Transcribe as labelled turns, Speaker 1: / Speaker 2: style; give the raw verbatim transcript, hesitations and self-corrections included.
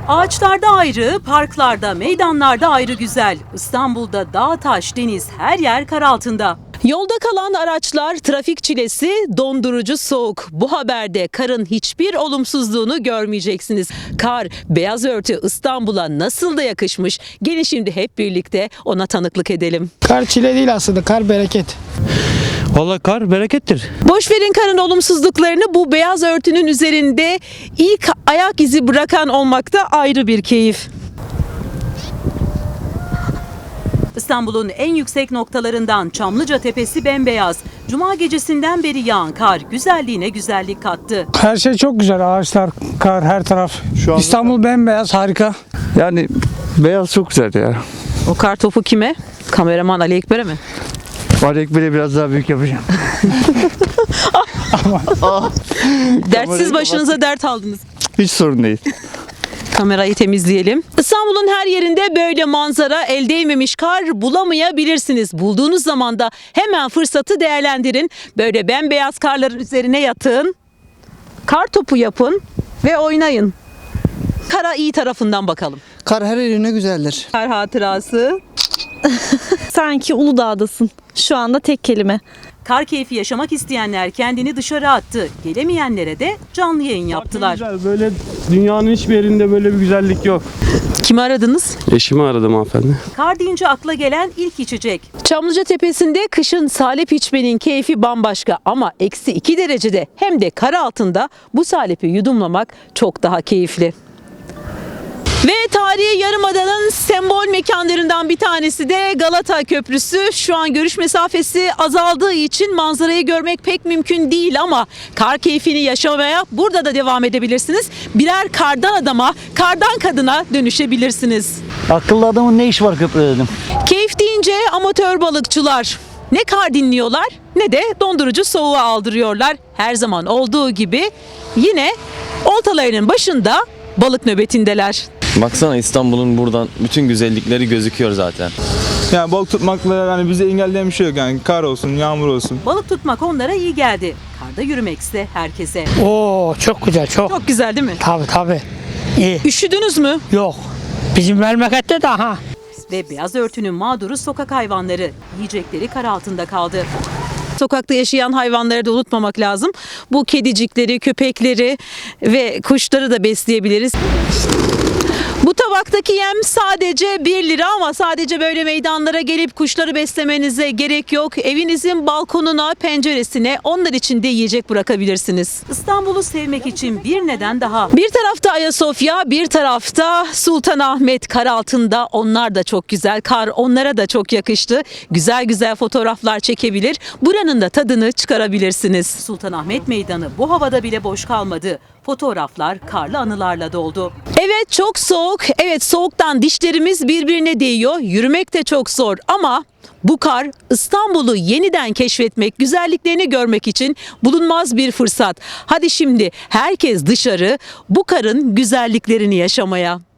Speaker 1: Ağaçlarda ayrı, parklarda, meydanlarda ayrı güzel. İstanbul'da dağ, taş, deniz, her yer kar altında. Yolda kalan araçlar, trafik çilesi, dondurucu soğuk. Bu haberde karın hiçbir olumsuzluğunu görmeyeceksiniz. Kar, beyaz örtü İstanbul'a nasıl da yakışmış. Gelin şimdi hep birlikte ona tanıklık edelim.
Speaker 2: Kar çile değil aslında, kar bereket.
Speaker 3: Vallahi kar berekettir.
Speaker 1: Boş verin karın olumsuzluklarını, bu beyaz örtünün üzerinde ilk ayak izi bırakan olmakta ayrı bir keyif. İstanbul'un en yüksek noktalarından Çamlıca Tepesi bembeyaz. Cuma gecesinden beri yağan kar güzelliğine güzellik kattı.
Speaker 2: Her şey çok güzel, ağaçlar, kar, her taraf.
Speaker 3: Şu anda-
Speaker 2: İstanbul bembeyaz, harika.
Speaker 3: Yani beyaz çok güzel ya.
Speaker 1: O kar topu kime? Kameraman Ali Ekber'e mi?
Speaker 3: Var ekbere biraz daha büyük yapacağım.
Speaker 1: Dertsiz başınıza dert aldınız.
Speaker 3: Hiç sorun değil.
Speaker 1: Kamerayı temizleyelim. İstanbul'un her yerinde böyle manzara, el değmemiş kar bulamayabilirsiniz. Bulduğunuz zaman da hemen fırsatı değerlendirin. Böyle bembeyaz karların üzerine yatın. Kar topu yapın ve oynayın. Kara iyi tarafından bakalım.
Speaker 4: Kar her yerine güzeldir.
Speaker 1: Kar hatırası.
Speaker 5: Sanki Uludağ'dasın. Şu anda tek kelime.
Speaker 1: Kar keyfi yaşamak isteyenler kendini dışarı attı. Gelemeyenlere de canlı yayın yaptılar.
Speaker 6: Güzel, böyle dünyanın hiçbir yerinde böyle bir güzellik yok.
Speaker 1: Kimi aradınız?
Speaker 6: Eşimi aradım hanımefendi.
Speaker 1: Kar deyince akla gelen ilk içecek. Çamlıca Tepesi'nde kışın salep içmenin keyfi bambaşka ama eksi iki derecede hem de kar altında bu salepi yudumlamak çok daha keyifli. Ve tarihi Yarımada'nın sembol mekanlarından bir tanesi de Galata Köprüsü. Şu an görüş mesafesi azaldığı için manzarayı görmek pek mümkün değil ama kar keyfini yaşamaya burada da devam edebilirsiniz. Birer kardan adama, kardan kadına dönüşebilirsiniz.
Speaker 7: Akıllı adamın ne işi var köprüde dedim.
Speaker 1: Keyif deyince amatör balıkçılar ne kar dinliyorlar ne de dondurucu soğuğa aldırıyorlar. Her zaman olduğu gibi yine oltalarının başında balık nöbetindeler.
Speaker 8: Baksana İstanbul'un buradan bütün güzellikleri gözüküyor zaten.
Speaker 9: Yani balık tutmakla yani bize engelleyen bir şey yok yani, kar olsun, yağmur olsun.
Speaker 1: Balık tutmak onlara iyi geldi. Karda yürümekse herkese.
Speaker 2: Oo, çok güzel, çok.
Speaker 1: Çok güzel değil mi?
Speaker 2: Tabii tabii. İyi.
Speaker 1: Üşüdünüz mü?
Speaker 2: Yok. Bizim memlekette de ha.
Speaker 1: Ve beyaz örtünün mağduru sokak hayvanları. Yiyecekleri kar altında kaldı. Sokakta yaşayan hayvanları da unutmamak lazım. Bu kedicikleri, köpekleri ve kuşları da besleyebiliriz. Bu tabaktaki yem sadece bir lira ama sadece böyle meydanlara gelip kuşları beslemenize gerek yok. Evinizin balkonuna, penceresine onlar için de yiyecek bırakabilirsiniz. İstanbul'u sevmek için bir neden daha. Bir tarafta Ayasofya, bir tarafta Sultanahmet kar altında. Onlar da çok güzel. Kar onlara da çok yakıştı. Güzel güzel fotoğraflar çekebilir. Buranın da tadını çıkarabilirsiniz. Sultanahmet Meydanı bu havada bile boş kalmadı. Fotoğraflar karlı anılarla doldu. Evet çok soğuk. Evet soğuktan dişlerimiz birbirine değiyor. Yürümek de çok zor ama bu kar İstanbul'u yeniden keşfetmek, güzelliklerini görmek için bulunmaz bir fırsat. Hadi şimdi herkes dışarı bu karın güzelliklerini yaşamaya.